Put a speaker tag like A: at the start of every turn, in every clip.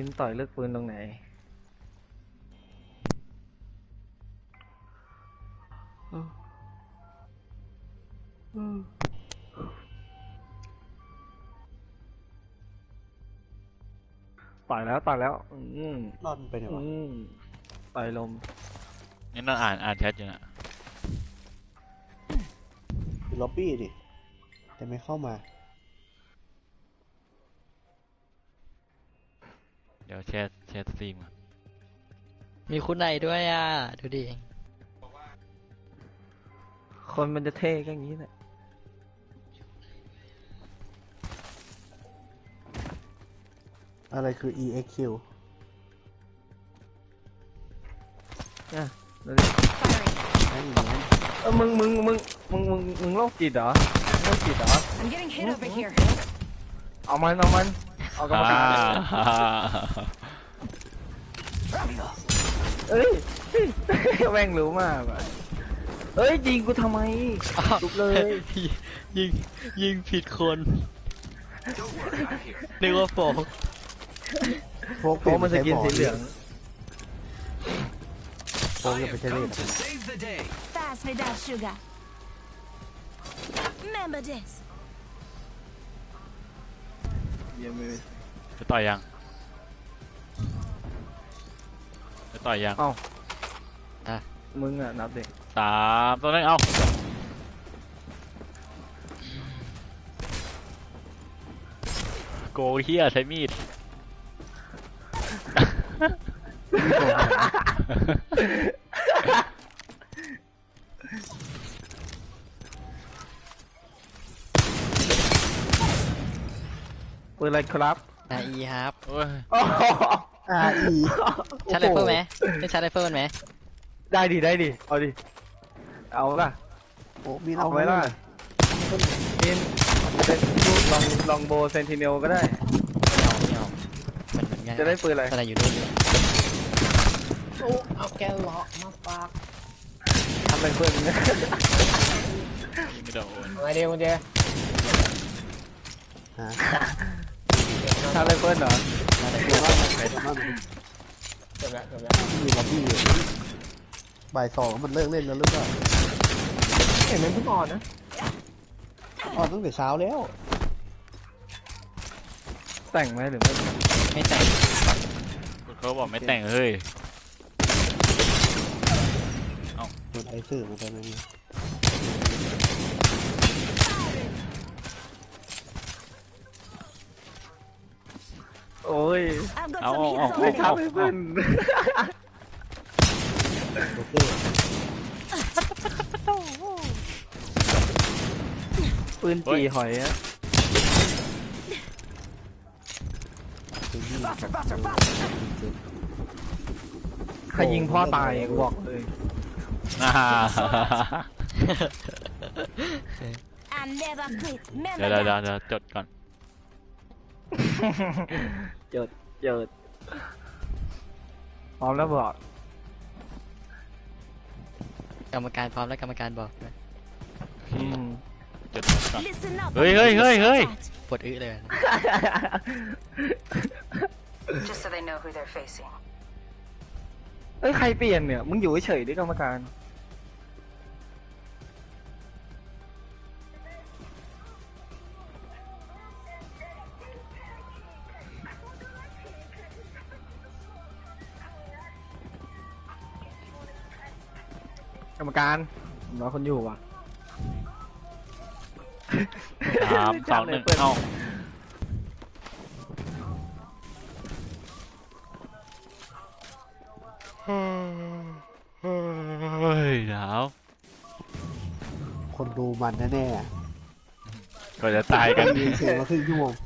A: นต่อยเลือกปืนตรงไหนต่อยแล้ว
B: รอดไปไหนวะ
A: ต่อยลม
C: นี่นั่นอ่านแชทอยู่นะ
B: อยู่ล็อบบี้ดิแต่ไม่เข้ามา
C: เดี๋ยวแชทสตรีม
D: มีคุณไหนด้วยอ่ะดูดิ
A: คนมันจะเท่ก็อย่างนี้แหละ
B: อะไรคือ EXQ
A: อ่ะมึงโรคจิตเหรอโรคจิตเหรอเอามันเอากรรมการเอ้ยแม่งรู้มากว่ะเอ้ยยิงกูทำไมลุกเลย
D: ยิงผิดคนนึกว่าโฟก
A: มันจะกินสีเหลือง
B: โฟกจะไปใช้เล่น
E: Fast without sugar. Remember this.
C: จะต่อยยัง
A: เอ้ามึงอ่ะนับเด็ก
C: 3 ตัวนึงเอาโกเฮียใช้มีด
A: ปืนอะไรครับ
D: RE ครับ
B: RE
D: ชาร์จไรเฟิลไหมไม่ชาร์จไรเฟิลไหม
A: ได้ดิเอาดิเอาล่ะ
B: โอ้มี
A: เอาไว้ล่ะมีลองโบเซนติเนลก็ได้
D: ไม่เอามันง่าย
A: จะได้ปืนอะไร
D: อะไรอยู่ด้วยโอ้เอาแกเลาะมาปาก
A: ทำเป็นปืน
C: ไม่โดน
A: อะไรเดียวมึงเจทำเป็นปืนเหรอ
B: จบแล้วมีล็อบบี้บ่าย2มันเลิกเล่นแล้วหรือเปล่า
A: เห็นมันเพิ่งอ่อนนะ
B: ตั้งแต่เช้าแล้ว
A: แต่งไหมหรือ
D: ไม่แต่ง
C: เขาบอกไม่แต่งเฮ้ย
B: โดนไอซื่อมาตอนนี้
A: โอ้ย
C: เอา
A: ไม่ทับไม่เพื่อนปืนจีหอยอะใครยิงพ่อตายกูบอกเลย
C: เดี๋ยวจดก่อน
A: จดพร้อมแล้วบอก
D: กรรมการพร้อมแล้วกรรมการบอก
C: จดก่อนเฮ้ย
D: ปวดอึเลย
A: เอ้ยใครเปลี่ยนเนี่ยมึงอยู่เฉยๆด้วยกรรมการกรรมการรอคนอยู่ว่ะ
C: 3 2 1เอาเฮ้ยหนาว
B: คนดูมันแน่
C: ๆก็จะตายกัน
B: เสียงมาครึ่งชั่วโมง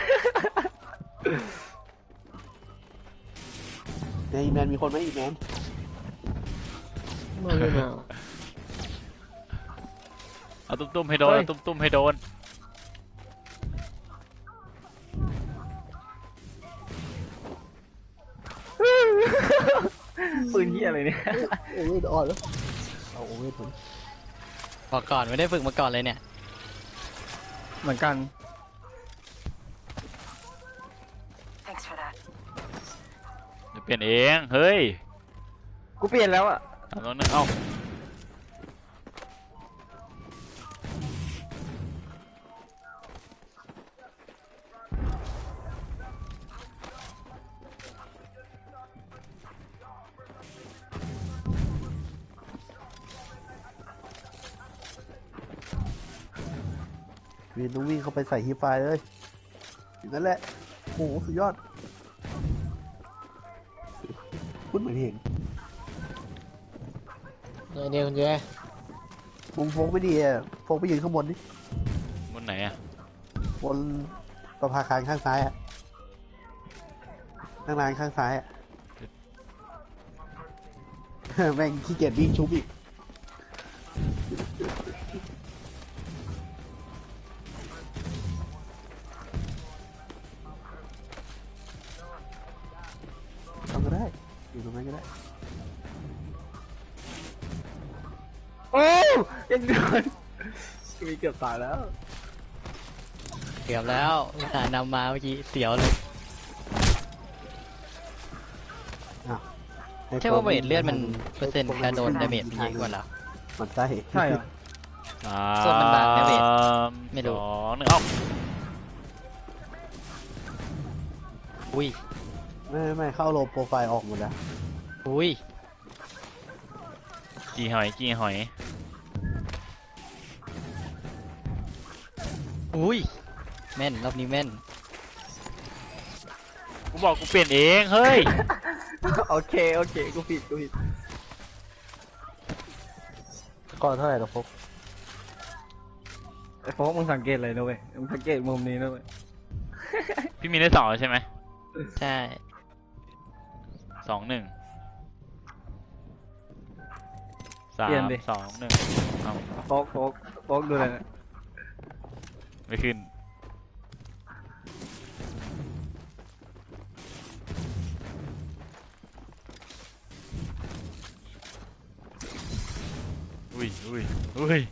B: ในอีแมนมีคนไหมอีแมน
C: เอาตุ้มๆให้โดนตุ้มๆให้โดน
A: ปืนเหี้ยอะไรเนี่ย
B: โอ้ยอ่อนแล้วเอาโอ้ยผม
D: บอกก่อนไม่ได้ฝึกมาก่อนเลยเนี่ย
A: เหมือนกัน
C: ลี่ยนเองเฮ้ย
A: กูเปลี่ยนแล้วอะ
C: 3-2-1เอ้า
B: วีนต้องวิ่งเข้าไปใส่ฮีไฟเลยอย่างนั้นแหละโอ้โหสุดยอดพูดเหมือนเห็น
D: เดี๋ยวคุณเจ
B: มุมโฟกไม่ดีอ่ะโฟกไปยืนข้างบนดิ
C: บนไหนอะ
B: บนประภาคารข้างซ้ายอ่ะข้างล่างข้างซ้ายอ่ะ แม่งขี้เกียจวิ่งชุบอีกทำก็ได้อยู่ตรงนั้นก็ได้
A: โอ้ยังโดนมีเกือบตายแล้ว
F: เกือบแล้วอุตส่าห์นำมาเมื่อกี้เสียวเลย ใช่ว่าเวทเลือดมันเปอร์เซ็นต์การโดนดาเมจมันเยอะกว่าเหรอ
B: มันใช่
A: ใช่เหรอ
F: ส่วนมันบางนะเวทไม่รู้
C: 3-2-1เอ้า
F: อุ้ย
B: ไม่เข้าโลโปรไฟล์ออกหมดแล้ว
F: อุ้ย
C: กี่หอย
F: อุ้ยแม่นรอบนี้แม่น
C: กูบอกกูเปลี่ยนเองเฮ้ย
A: โอเคกูผิด
B: ก่อนเท่าไหร่หรอพก
A: ไอ้โฟกมึงสังเกตอะไรนะเว้ยมึงสังเกตมุมนี้นะเว้ย
C: พี่มีได้2ใช่ไหม
F: ใช่
C: 2-1 3-2-1เอ้า
A: โฟกดูเลยนะ
C: ไม่ขึ้นอุ้ยอุ้ยอุ้ย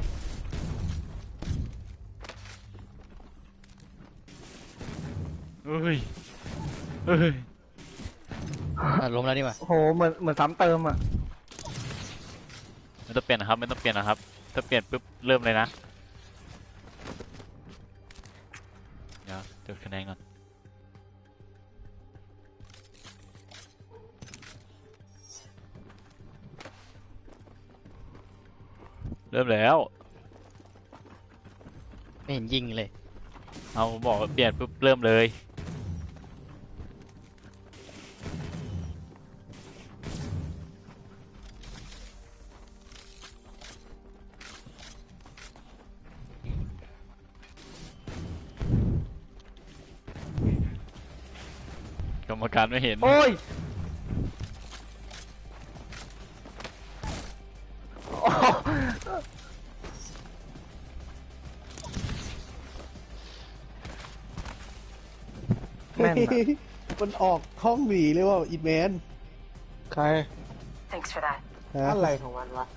C: อุ้ยอุ้ย
F: ล้มแล้วนี่หว่า
A: โอ้โหเหมือนซ้ำเติมอะ
C: ไม่ต้องเปลี่ยนนะครับไม่ต้องเปลี่ยนนะครับถ้าเปลี่ยนปุ๊บเริ่มเลยนะเดี๋ยวจดคะแนนก่อนเริ่มแล้ว
F: ไม่เห็นยิงเลย
C: เอาบอกว่าเปลี่ยนปุ๊บเริ่มเลยกรรมการไม่เห็น
A: โอ้ยโอ้แม่นอะ
B: มันออกห้องหนีเลยว่าอีแมน
D: ใคร
E: Thanks for that.
D: อะไรของมันวะ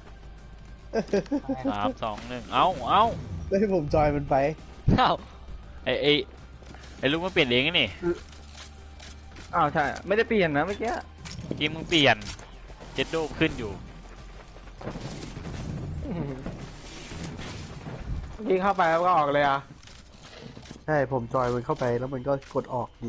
C: 3-2-1เอ้าเอ้า
B: แล้วให้ผมจอยมันไป
F: เอ้า
C: ไอ้ลูกมันเปลี่ยนเองนี่
A: อ้าวใช่อะไม่ได้เปลี่ยนนะเมื่อกี้
C: เมื่อกี้มึงเปลี่ยนเจ็ดโดขึ้นอยู่
D: ยิงเข้าไปแล้วก็ออกเลยอ่ะ
B: ใช่ผมจอยมันเข้าไปแล้วมันก็กดออกหนี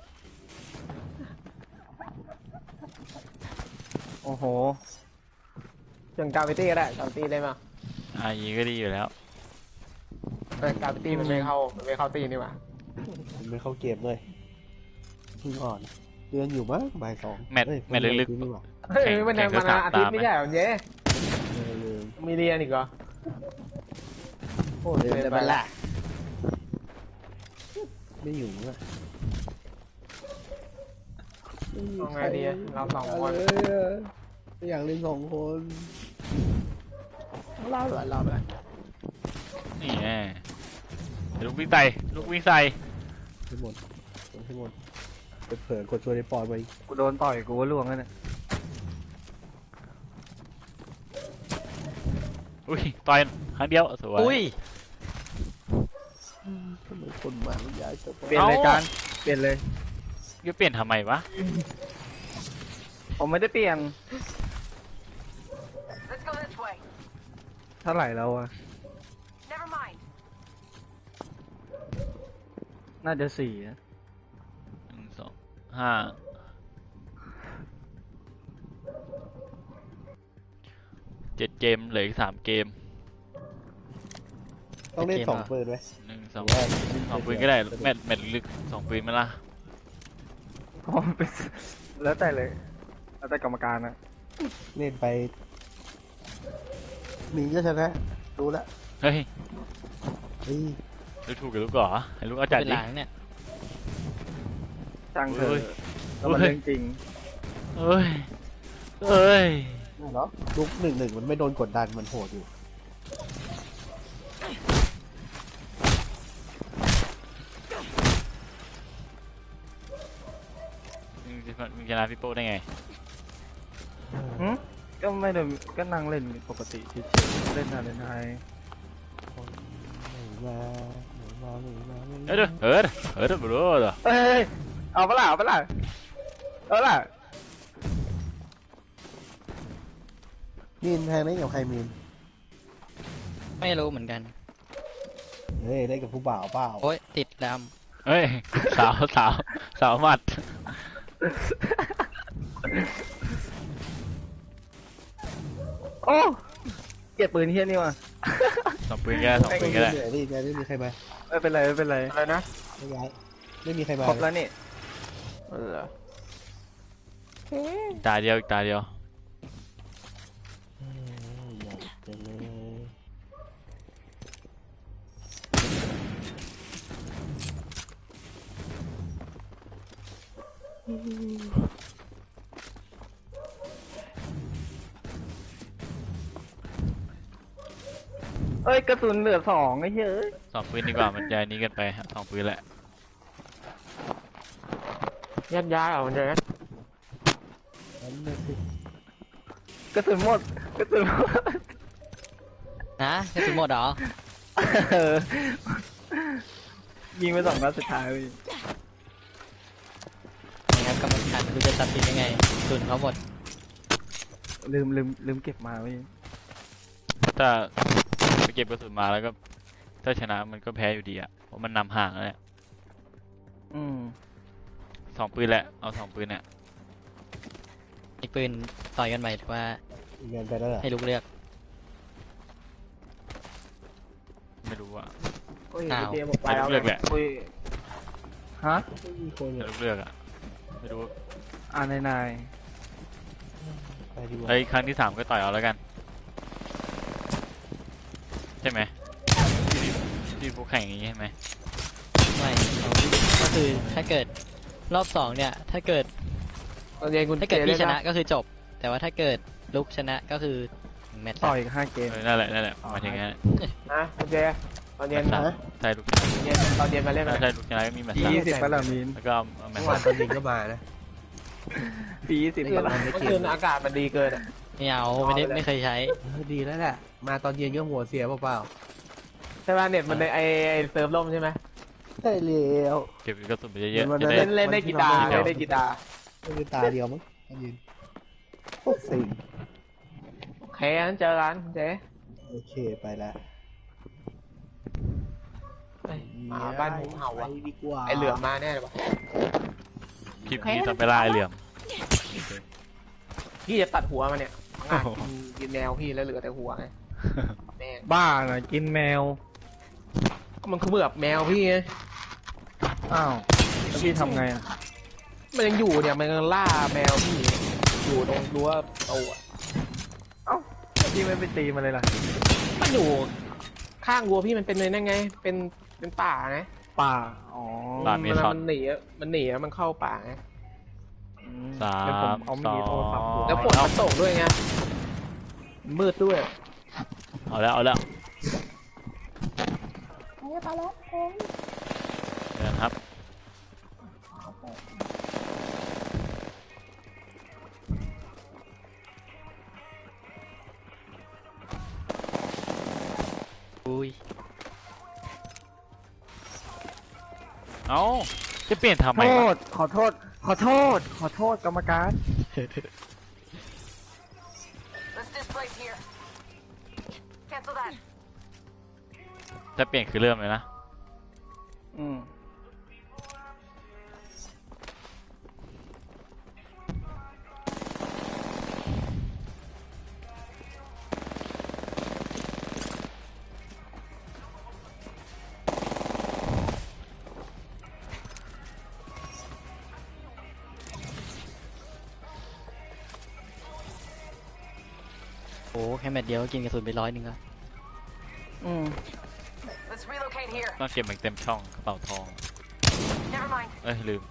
A: โอ้โห
D: ถึงกาวิตี้ก็ได้กาวิตี้ได้มา
C: อีก็ดีอยู่แล้ว
D: แต่กาวิตี้มันไม่เข้าตีนี่หว่า
B: มันไม่เข้าเกมเลยเพิ่งอ่อนเดือนอยู่มั้งบ่ายสอง
C: แมตช์
B: เอ้ย
C: แมตช์ลึกๆ
B: นี่หว่า
D: เฮ้ยมันยังมาอาทิตย์ไม่ใช่เหรอเย้
B: เลย
D: มีเรียนอีกเหรอ
B: โอ้เดือนไปละไม่อยู่อ่ะ
D: เอาไงดีอะเราสองคน
B: ไม่อยากเล่นสองคน
D: เล่าเหรอเราเลย
C: นี่แน่ลูกวิ่งใส่ลูกวิ่งใส่
B: ให้หมดให้หมดเผลอกดชวนไอ้ปอนไป
A: กูโดนต่อยกูว่าล่วงแล้วเนี่ย
C: อุ้ยต่อยครั้งเดียวสวย
F: อุ้ย
B: ทำไมคนมาไม่ย้ายจะไป
A: เปลี่ยนเลยจานเปลี่ยนเลย
C: จะเปลี่ยนทำไมวะ
A: ผมไม่ได้เปลี่ยน
E: Let's go this way.
A: เท่าไหร่แล้วอะ
E: Never mind.
A: น่าจะสี่นะ
C: 1 2 5 7 เกมเหลืออีก 3 เกม
B: ต้องเล่น2ปืนไหม
C: 1 2 2 ปืนก็ได้แมตช์ลึก2 ปืนไหมล่ะ
A: อ๋อเป็นแล้วแต่เลยแล้วแต่กรรมการนะ
B: เล่นไปมีก็ชนะรู้ละ
C: เฮ้ย
B: เฮ้ย
C: ดูถูกกับลูกเหรอให้ลูกเอาจัด
F: เป็น
C: ดิ
F: หลังเนี่ย
A: ช่างเถ
C: เฮ้
A: อะ
C: ย
A: แล้วมันเรื่องจริง
C: เอ้ยเอ้ย
B: น่าเหรอลุก1-1มันไม่โดนกดดันมันโหดอยู่
C: มึงชนะพี่โป้ได้ไง
A: หึก็ไม่ได้ก็นั่งเล่นปกติเฉยๆเล่นอะไรนาย
B: มามา
C: เฮ้ยเด้อเฮ้ยเฮ้ยเด้อบรูเด้อ
A: เอ้ยเอาปะล่ะเอาปะล่ะเอาล่ะ
B: มีนแทงเล่นกับใครมีน
F: ไม่รู้เหมือนกัน
B: เฮ้ยเล่นกับผู้บ่าวเปล่า
F: โอ๊ยติดด
C: เฮ้ยสาวหมัด
A: โอ้เกลียดปืนเฮี้ยนี่ว่ะ
C: 2 ปืนก็ได้2 ปืนก็ได้
B: เหนื่อยดิแกไม่มีใครมา
A: ไม่เป็นไรไม่เป็นไร
D: อะไรนะ
B: ไม่ย้ายไม่มีใครมา
A: ครบแล้วนี่
D: เหรอ
C: อีกตาเดียวอีกตาเดียว
B: อยากจะเลย
A: เอ้ยกระสุนเหลือ2ไอ้เหี้ยเอ้ย
C: 2 ปืนดีกว่ามันจะนี้กันไป2 ปืนแหละ
D: ยัดย้ายเหรอมันจะ
B: นั่นน่ะสิ
A: กระสุนหมดกระสุนหมด
F: ำนะกระสุนหมดเหรอ
A: เออยิงไป2 นัดสุดท้ายเว้ย
F: นะครับกรรมการไม่รู้จะตัดสินยังไงกระสุนเขาหมด
A: ลืมเก็บมาเว้ย
C: ถ้าไปเก็บกระสุนมาแล้วก็ถ้าชนะมันก็แพ้อยู่ดีอ่ะเพราะมันนำห่างแล้วเนี่ย
A: อืม
C: 2 ปืนแหละเอา2 ปืนเนี่ย
F: อีกปืนต่อยกันใหม่ถือว่า
B: อีกงานไปแล้วเหรอ
F: ให้ลูกเลือก
C: ไม่รู้อ่ะ
A: โอ้ย
F: อ้าว
A: เจบอกไปแล้ว
C: เลือกแหละ
A: โอ้ยฮะ
B: ไม่มีคน
C: แต่
B: เลย
C: ลูกเลือกอ่ะไม่รู้
A: นาย
B: ไปดีกว่า
C: เฮ้ยครั้งที่ 3ก็ต่อยเอาแล้วกันใช่ไหมที่พวกแข่งอย่างนี้ใช่ไหม
F: ไม่ก็คือถ้าเกิดรอบ2เนี่ยถ้าเกิด
D: ตอนเย็นคุณ
F: ถ้าเกิด
D: จ
F: พี่ช
D: ล่
F: นะก็คือจบ แต่ว่าถ้าเกิดลุกชนะก็คือแมตช์
A: ต่อยอีก5 เกม
C: นั่นแหละหมายถึงงั้น
D: นะคุณเจตอนเย็น
C: แมตช์
D: นะ
C: ใช่ลูกชนะ
D: ตอนเย็นมาเล่น
C: ถ้า
D: มา
C: ใช่ลูกชนะก็มีแมตช์สาม
A: 20ปะล่ะมีน
C: แล้วก็เอาแมต
D: เมื่
C: ช์
D: อวาน
C: สาม
D: ตอนเย็นก็มานะ
A: ปี20ปะล่ะ
D: เมื่อคืนอากาศมันดีเกินอะ
F: ไม่เอาไม่เคยใช้
D: ดีแล้วแหละมาตอนเย็นก็หัวเสียเปล่าๆใช่ป่ะเน็ตมันในไอเซิร์ฟล่มใช่ไหม
B: ใช่แล้ว
C: เก็บกระสุนไปเยอะ
B: มัน
C: ๆจะได้
D: เล่นได้กีตาร์เล่นได้กีตาร์
B: ไม่มีตาเดียวมั้งมายืนโคตรสิง
D: โอเคงั้นเจอกันคุณเจ
B: โอเคไปละ
D: เฮ้ยหมาบ้านหมูเห่า
B: ไป
D: อ่ะ
B: ดีกว่า
D: ไอเหลือมมาแน่เลยว่ะ
C: คลิปนี้ต้องไปล่าไอ้เหลี่ยม
D: พี่จะตัดหัวมันเนี่ยงานกินแนวพี่แล้วเหลือแต่หัวไงแม่ง
A: บ้าน่ะกินแมว
D: มันคือแบบแมวพี่ไง
A: อ้าวแล้วพี่ทำไงอ่ะ
D: มันยังอยู่เนี่ยมันยังล่าแมวพี่อยู่ตรงรั้วประตูอะ
A: เอ้าแล้วพี่ไม่ไปตีมันเลยล่ะ
D: มันอยู่ข้างรั้วพี่มันเป็นเลยนั่นไง เป็นป่าไง
A: ป่าอ๋อ
C: ป่า
D: เวลามันหนีอะมันเข้าป่าไง
A: อืม
C: สา
A: เดี๋ยวผม
C: ม
A: เอา
C: ส
A: มี
C: อ
A: ดโทรศัพท์
C: ง
D: แล้วฝนมันตกด้วยไงมืดด้วย
C: เอาแล้วเดี๋ยวนะครับ
F: อุ้ย
C: เอ้าจะเปลี่ยนทำไม
A: โท
C: วะ
A: ษขอโทษกรรมการ
C: ถ้าเปลี่ยนคือเริ่มเลยนะ
A: อืม
F: โอ้แค่แมตช์เดียวก็กินกระสุนไป100แล้ว
A: อืม
E: Let's relocate here.
C: ต้องเก็บมันเต็มช่องกระเป๋าทอง
E: Never mind.
C: เอ้ยลืม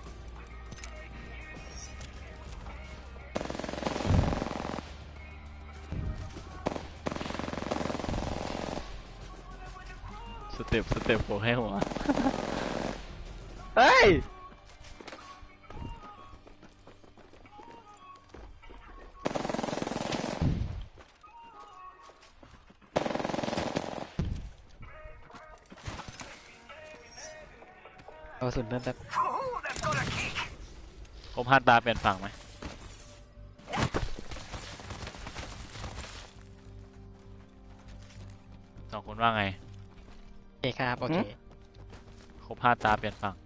C: สเต็ปโผล่ให้หัว
A: เฮ้ย
F: เอากระสุนเพิ่มแป๊บ
E: Ooh, that's gonna kick.
C: ครบ5 ตาเปลี่ยนฝั่งไหมสองคนว่าไง
F: โอเคครับโอเค
C: ครบ5 ตาเปลี่ยนฝั่ง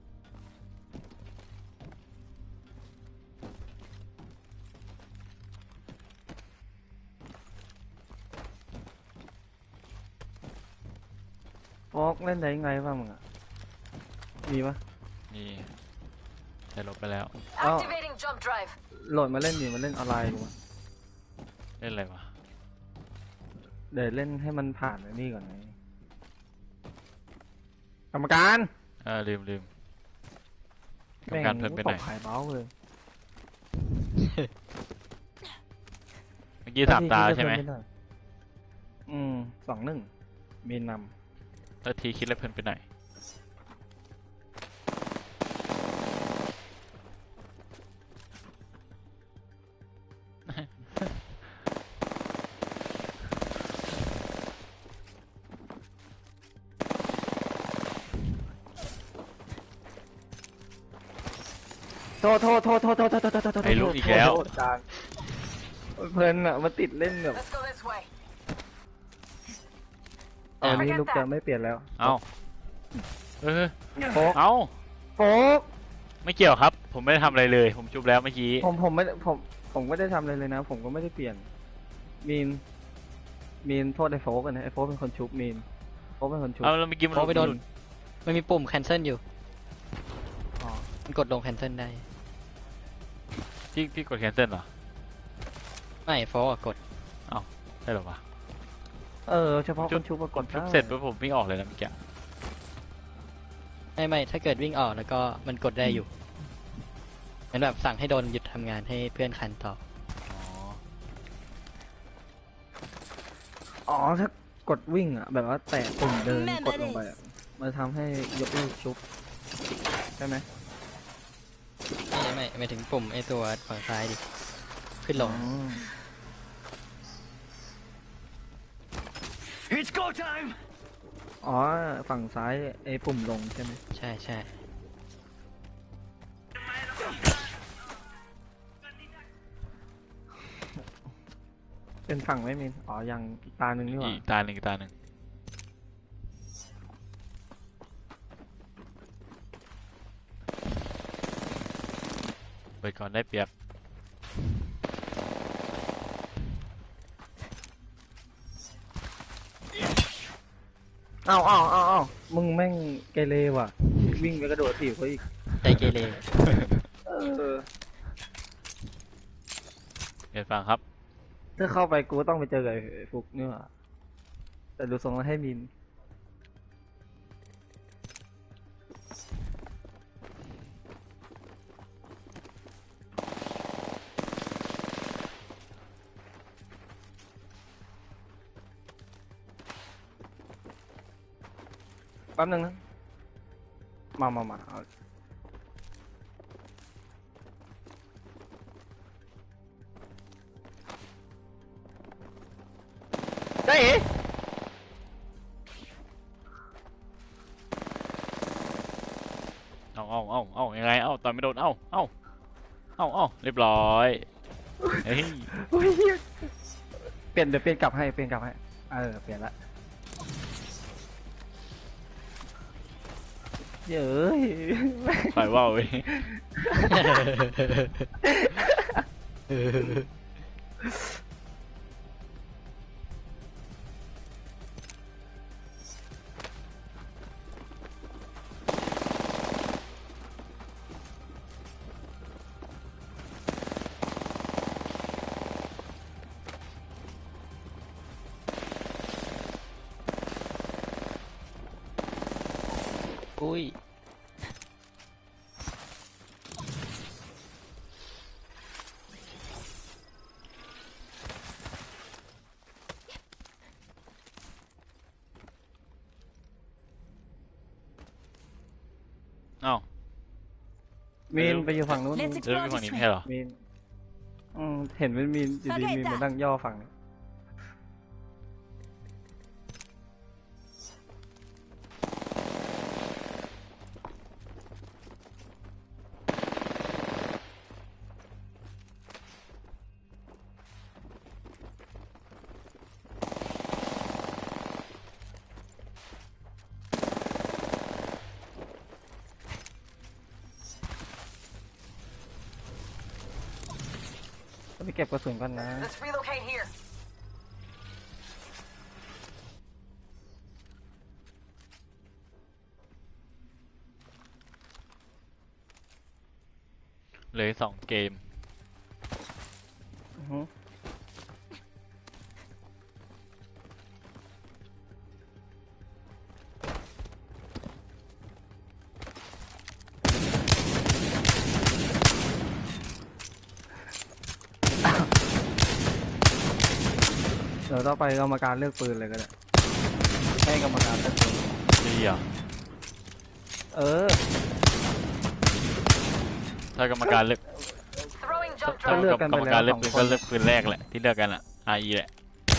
A: โฟกเล่นได้ยังไงบ้างมึงอ่ะ มีปะ
C: นี่ได้ลบไปแล้ว
E: Activating jump drive.
A: โหลดมาเล่นดิมาเล่นออนไลน์ดูอะ
C: เล่นอะไรวะ
A: เดี๋ยวเล่นให้มันผ่านไอ้นี่ก่อนไงกรรมการ
C: ลืมกรรมการเพิ่มไปไหน
A: ตกขายเบ้าเลย
C: เมื่อกี้3 ตาใช่ไหม
A: อืม 2-1 มีน
C: แล้วทีคิดแล้วเพิ่นไปไหน
A: ำโทษ
C: ไอ้ลูกอีกแล้ว
A: โทษจานเพลินอ่ะมาติดเล่นแบบ
E: Let's go this way.
A: อันนี้ลูกจะไม่เปลี่ยนแล้ว
C: เอ้า
A: โฟก
C: เอ้า
A: โฟก
C: ไม่เกี่ยวครับ ผมไม่ได้ทำอะไรเลย ผมจุบแล้วเมื่อกี้
A: ผมไม่ได้ทำอะไรเลยนะ ผมก็ไม่ได้เปลี่ยน มีนโทษไอ้โฟกกันนะไอ้โฟกเป็นคนชุบมีนโฟกเป็นคนชุบ
C: เอาแล้วเมื่อกี้มัน
F: โอ้ไปโดน
C: หลุ
F: มันมีปุ่ม cancel อยู่
A: อ๋อ
F: มันกดลง cancel ได้
C: พี่กดแคนเซิลเหรอ
F: ไม่โฟกกด
C: ใช่เหรอวะ
A: เฉพาะคนชุบปรากฏ
C: ชุบ
A: ได้
C: เสร็จปุ๊บผมวิ่งออกเลยนะเมื่อกี้
F: ไม่ถ้าเกิดวิ่งออกแล้วก็มันกดได้อยู่เหมือนแบบสั่งให้โดนหยุดทำงานให้เพื่อนคันต่อ
C: อ๋อ
A: ถ้ากดวิ่งอ่ะ แบบว่าแตะปุ่มเดินกดลงไปอะมันทำให้ยกเลิกชุบใช่ไหม
F: ไม่หมายถึงปุ่มไอตัวฝั่งซ้ายดิ ขึ้นลง
A: อ๋อ ฝั่งซ้ายไอ้ปุ่มลงใช่ไหม
F: ใช่ใช่
A: เป็นฝั่งไม่มีอ๋อยังอีกตาหนึ่งนี่หว่า
C: อีกตาหนึ่งเปิดก่อนได้เปรียบ
A: เอามึงแม่งเกเรว่ะ วิ่งไปกระโดดถีบเขาอีก
F: ใจเกเร
A: เออ
C: เปลี่ยนฝั่งครับ
A: ถ้าเข้าไปกูก็ต้องไปเจอกับไอ้ฟุกนี่หว่าแต่ดูทรงแล้วให้มิน แป๊บนึงนะ มาเอาได้เหรอ
C: เอายังไงต่อยไม่โดนเรียบร้อยเฮ้ย
A: โอ้ยเหี้ยเดี๋ยวเปลี่ยนกลับให้ เปลี่ยนละเย้ย
C: ปล่อยว่าวเว้ย
F: อุ้ย
C: อ้าว
A: มีนไปอยู่ฝั่งนู้น
G: Let's
C: เริ่ม
G: explore
C: ที่ฝั่ง
G: this
C: นี้
G: way.
C: ไม่ใช่เหรอ
A: มีนเห็นเป็นมีนอยู่ดีมีนมานั่งย่อฝั่งนี้ ไปเก็บกระสุนก่อนนะ
E: Let's relocate here.
C: เหลือ2 เกม
A: อือฮึ เดี๋ยวต่อไปกรรมการเลือกปืนเลยก็ได้ให้กรรมการเลือกปืน
C: ดีเหรอ
A: เออ
C: ถ้ากรรมการเลือก
E: Throwing jump
C: ถ้า
A: ก็
E: drive.
A: เลือกกัน
C: ก
A: ไป
C: รรม
A: แล้ว
C: การเลือก
A: 2
C: ปืน
A: คน
C: ก็เลือกปืนแรกแหละที่เลือกกันอะ RE แหละ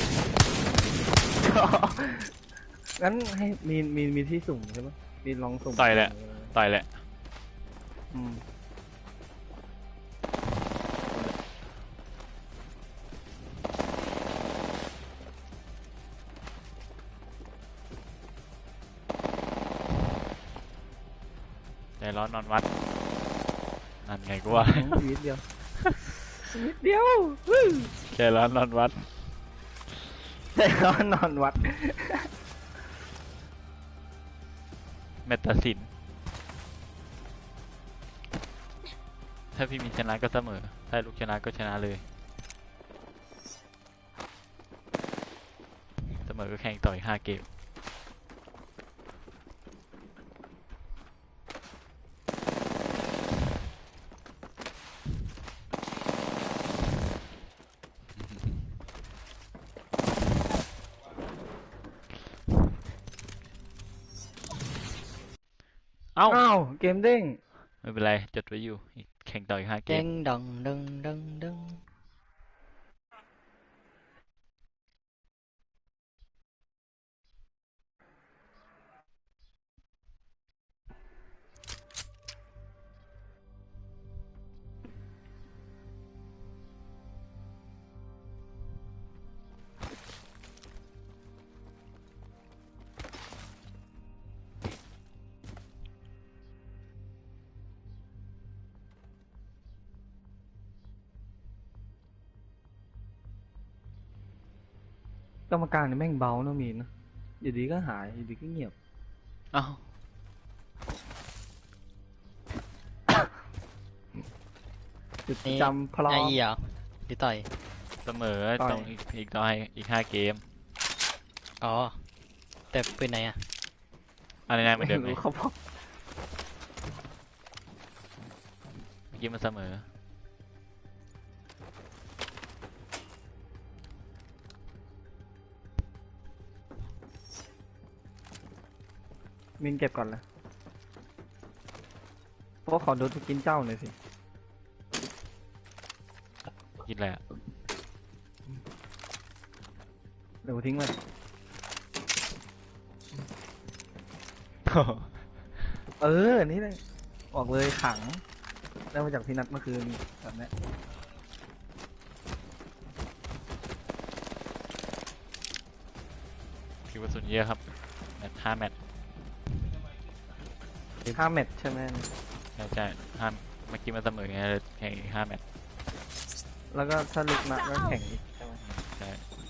A: งั้นให้มีที่สุ่มใช่ไหมมีลองสุ่ม
C: ต่อยแหละ ต่อยแหละ
A: อืม
C: ใจร้อนนอนวัด นั่นไงกูว่า
A: นิดเดียวนิดเดียว
C: ใจร้อนนอนวัด
A: แต่ก็นอนวัด
C: แมตตาสิน ถ้าพี่มีชนะก็เสมอ ถ้าลูกชนะก็ชนะเลย เสมอก็แข่งต่ออีก5 เกม เอ้า
A: อ้าว เกมเด้ง
C: ไม่เป็นไร จดไว้อยู่อีกแข่งต่ออีก5 เก
F: เด้
C: ม
F: งดองดึงดึงดึง
A: กรรมการนี่แม่งเบาเนอะมีนนะอยู่ดีก็หาย อยู่ดีก็เงียบ
C: เอ้า
A: จุด
F: นี่
A: จำพลอ
F: ไอ
A: ม
F: เหรอหรือต่อย
C: เสมอ
A: ต่อย
C: ต้องอีก 5 เกม
F: อ๋อ แต่ปืนไหนอ่ะ
C: อะไรนะเหมือนเดิมไหม
A: รู้เขาบอก
C: เมื่อกี้มันเสมอ
A: มินเก็บก่อนเลยเพราะขอดูทุกกินเจ้าหน่อยสิ
C: คิดอะไรอะ
A: เดี๋ยวทิ้งไว้เออ นี่เลยบอกเลยขัง ได้มาจากพี่นัทเมื่อคืนแบบเนี้ย
C: คิวกระสุนเยอะครับ แมตช์5 แมตช์
A: 5 แมตช์ใช่ไหม
C: ใช่ห้ามเมื่อกี้มันเสมอไงเลยแข่งอีก5 แมตช์
A: แล้วก็ถ้าลึกนักก็แข่งอีกใช่ไหม
C: ใช่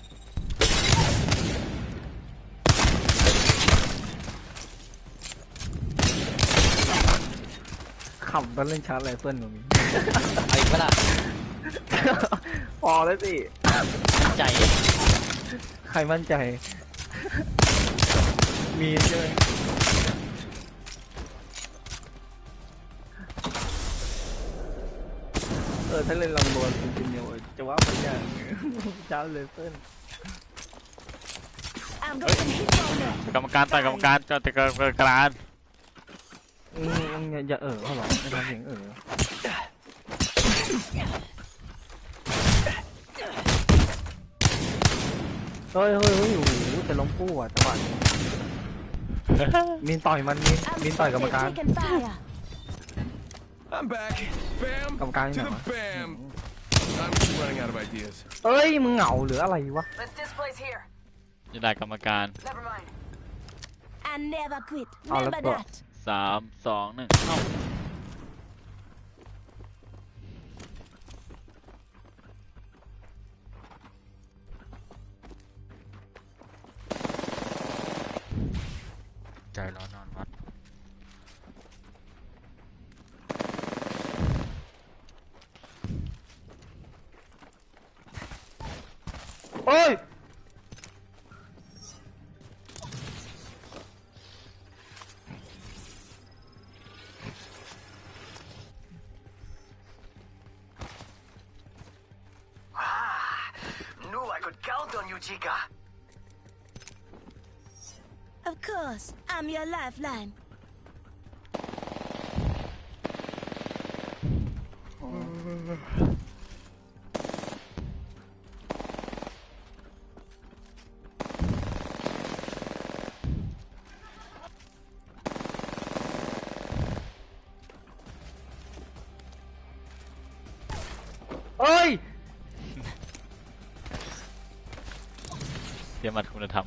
A: ขำตอนเล่นชาร์จไรเฟิลตรงนี้
F: เอาอีกเวลา
A: พอแล้วสิ
F: ใจ
A: ใครมั่นใจ มีใช่ไหมถ้าเล่นลองโดนจริงๆเนี่ยจะว่าไปอย่างชาร์จไรเฟิล
E: I'm going hit on them.
C: กรรมการต่อยกรรมการจะติดกรรมการ
A: อย่าเขาหรอไม่ทำเสียงเฮ้ยโอ้โหจะล้มคู่อ่ะจังหวะนี้มีนต่อยมันมีนต่อยกรรมการ
E: Taking fire.
G: I'm back. Bam
A: กรรมการ
G: to
A: ที่ไหน
G: the
A: วะ
G: bam. I'm just running out of ideas.
A: เอ้ยมึงเหงาหรืออะไรวะ
E: Let's displace here.
C: จะได้กรรมการ
E: Never mind. I never quit.
A: Oh,
E: Remember
A: let's go.
E: that.
C: 3 2 1เอ้าใจร้อนนอนวัด
A: เอ้ย
H: Knew I could count on you, Chica.
E: Of course, I'm your lifeline.
A: เอ้ย
C: เตรียมมัดคุณธรรม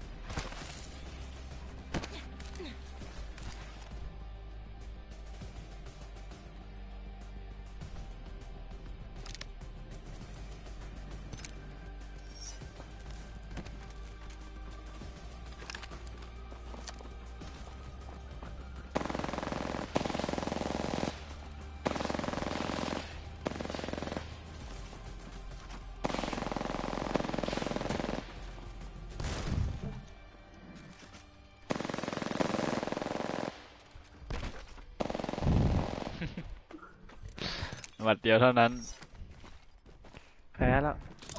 C: หมัดเดียวเท่านั้น
A: แพ้แล้ว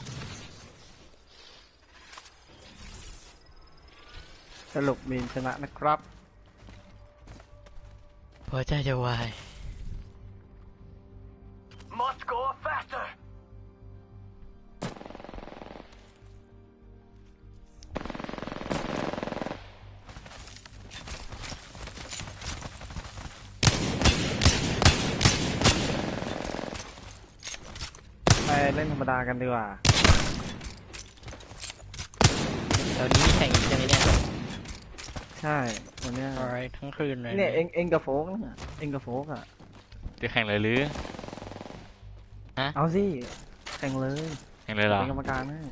A: สรุปมีนชนะนะครับ
F: หัวใจจะวาย
H: Must go faster.
A: ไปเล่นธรรมดากันดีกว่า
F: เดี๋ยวนี้มีแข่งอีกใช่ไหมเนี่ย
A: ใช่ วันเนี้ย
F: alright ทั้งคืนเลย
A: เนี่ยเองกับโฟกเนี่ยเองกับโฟกอ่ะ
C: จะแข่งเลยหรือ
A: เอาสิ แข่งเลย
C: แข่งเลยเหรอ
A: เป็นกรรมการให้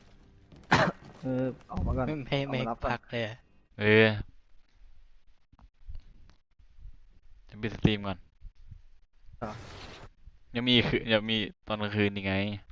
A: ออกมาก่อน
F: ไม่
A: ออการับก่อน
F: พักเลยอะ
C: เออจะปิดสตรีมก่อน
A: ต่อ
C: ยังมีคือยังมีตอนกลางคืนยังไง